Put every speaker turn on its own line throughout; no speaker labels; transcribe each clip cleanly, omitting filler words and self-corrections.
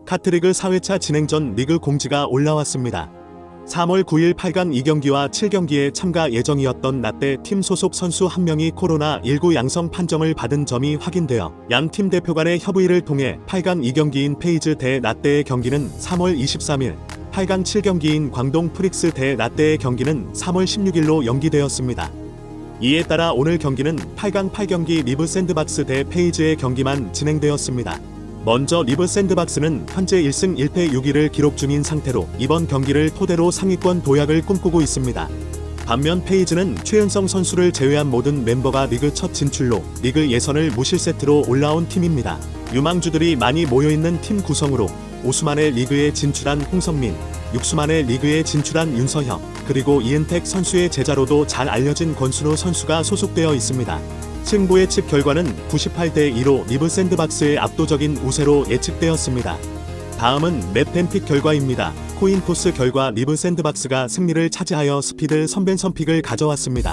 카트리그 4회차 진행 전 리그 공지가 올라왔습니다. 3월 9일 8강 2경기와 7경기에 참가 예정이었던 라떼 팀 소속 선수 한 명이 코로나19 양성 판정을 받은 점이 확인되어 양 팀 대표 간의 협의를 통해 8강 2경기인 페이즈 대 라떼의 경기는 3월 23일, 8강 7경기인 광동 프릭스 대 라떼의 경기는 3월 16일로 연기되었습니다. 이에 따라 오늘 경기는 8강 8경기 리브 샌드박스 대 페이즈의 경기만 진행되었습니다. 먼저 리브 샌드박스는 현재 1승 1패 6위를 기록 중인 상태로 이번 경기를 토대로 상위권 도약을 꿈꾸고 있습니다. 반면 페이즈는 최은성 선수를 제외한 모든 멤버가 리그 첫 진출로 리그 예선을 무실세트로 올라온 팀입니다. 유망주들이 많이 모여있는 팀 구성으로 오수만의 리그에 진출한 홍성민, 육수만의 리그에 진출한 윤서혁, 그리고 이은택 선수의 제자로도 잘 알려진 권순우 선수가 소속되어 있습니다. 승부 예측 결과는 98대 2로 리브 샌드박스의 압도적인 우세로 예측되었습니다. 다음은 맵 뱀픽 결과입니다. 코인 토스 결과 리브 샌드박스가 승리를 차지하여 스피드 선벤선픽을 가져왔습니다.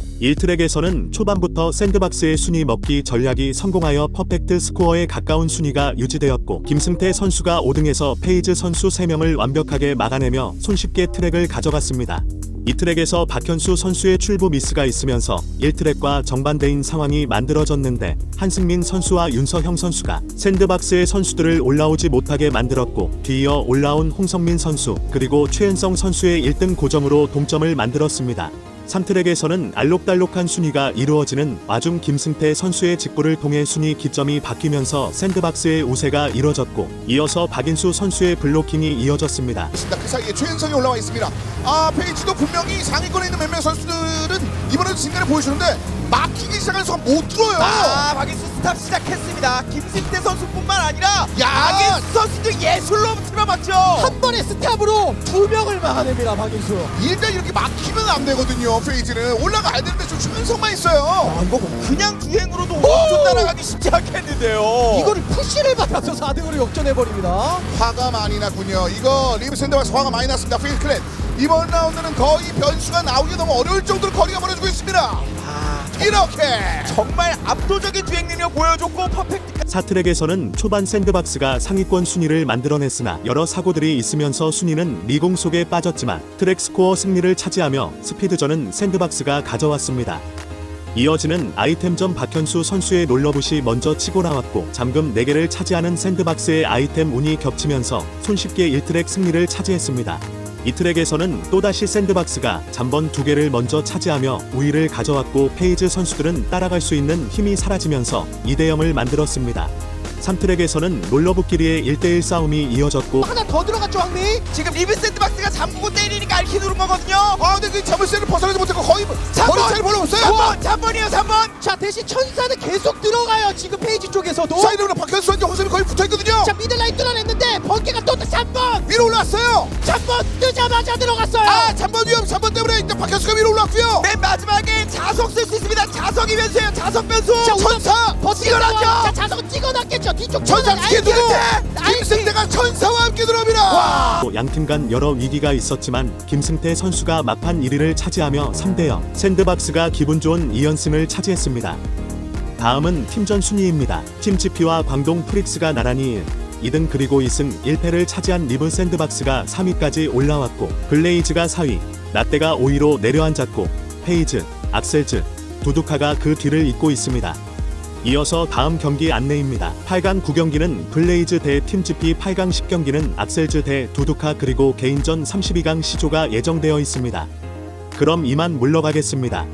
1트랙에서는 초반부터 샌드박스의 순위 먹기 전략이 성공하여 퍼펙트 스코어에 가까운 순위가 유지되었고 김승태 선수가 5등에서 페이즈 선수 3명을 완벽하게 막아내며 손쉽게 트랙을 가져갔습니다. 이 트랙에서 박현수 선수의 출부 미스가 있으면서 1트랙과 정반대인 상황이 만들어졌는데 한승민 선수와 윤서형 선수가 샌드박스의 선수들을 올라오지 못하게 만들었고 뒤이어 올라온 홍성민 선수 그리고 최은성 선수의 1등 고점으로 동점을 만들었습니다. 3트랙에서는 알록달록한 순위가 이루어지는 와중 김승태 선수의 직구를 통해 순위 기점이 바뀌면서 샌드박스의 우세가 이뤄졌고 이어서 박인수 선수의 블로킹이 이어졌습니다.
그 사이에 최은성이 올라와 있습니다. 페이지도 분명히 상위권에 있는 몇몇 선수들은 이번에도 진가를 보여주는데 막히기 시작한 순간 못 들어요.
박인수 스탑 시작했습니다. 김승태 선수뿐만 아니라 박인수 선수도 예술로 틀어맞죠.
한 번의 스탑으로 2명을 막아냅니다. 박인수.
일단 이렇게 막히면 안 되거든요. 페이지는 올라가야 되는데 좀 최은성만 있어요.
이거 그냥 주행으로도 엄청 따라가기 쉽지 않겠는데요.
이거를 푸시를 받아서 4등으로 역전해버립니다.
화가 많이 났군요. 이거 리브 샌드박스 화가 많이 났습니다. 페이지 클랜 이번 라운드는 거의 변수가 나오기 너무 어려울 정도로 거리가 멀어지고 있습니다. 이렇게
정말 압도적인 주행 능력 보여줬고 퍼펙트.
4트랙에서는 초반 샌드박스가 상위권 순위를 만들어냈으나 여러 사고들이 있으면서 순위는 미공 속에 빠졌지만 트랙 스코어 승리를 차지하며 스피드전은 샌드박스가 가져왔습니다. 이어지는 아이템전 박현수 선수의 롤러붓이 먼저 치고 나왔고 잠금 4개를 차지하는 샌드박스의 아이템 운이 겹치면서 손쉽게 1트랙 승리를 차지했습니다. 이 트랙에서는 또다시 샌드박스가 잠번 2개를 먼저 차지하며 우위를 가져왔고 페이즈 선수들은 따라갈 수 있는 힘이 사라지면서 2대0을 만들었습니다. 3트랙에서는 롤러붓끼리의 1대1 싸움이 이어졌고
하나 더 들어갔죠, 황미?
지금 리브 샌드박스가 잠그고 때리니까 알키 누른 거거든요.
근데 그 자물쇠를 벗어나지 못했고 거의 머리차를 벌어봤어요.
3번이요 3번.
자, 대신 천사는 계속 들어가요. 지금 페이지 쪽에서도.
사이드로 박현수한테 홍성이 거의 붙어있거든요.
자, 미들라인 뚫어냈는데 번개가 또 3번!
위로 올라왔어요.
3번 뜨자마자 들어갔어요.
3번 위험 3번 때문에 일단 박현수가 위로 올라왔고요.
맨 마지막에 자석 쓸 수 있습니다. 자석이 변수예요. 자석 변수.
자,
천사
버티고나죠.
찍어놨죠.
자, 자석은 찍어놨겠죠. 뒤쪽
천사 뒤에 누구?
아이템.
김승태가 천사와 함께 들어옵니다.
양팀 간 여러 위기가 있었지만 김승태 선수가 막판 1위를 차지하며 3대0 샌드박스가 기분 좋은 2연승을 차지했습니다. 다음은 팀전 순위입니다. 팀 GP와 광동 프릭스가 나란히 2등 그리고 2승 1패를 차지한 리브 샌드박스가 3위까지 올라왔고 블레이즈가 4위, 라떼가 5위로 내려앉았고 페이즈, 악셀즈, 두두카가 그 뒤를 잇고 있습니다. 이어서 다음 경기 안내입니다. 8강 9경기는 블레이즈 대 팀 GP, 8강 10경기는 악셀즈 대 두두카 그리고 개인전 32강 시조가 예정되어 있습니다. 그럼 이만 물러가겠습니다.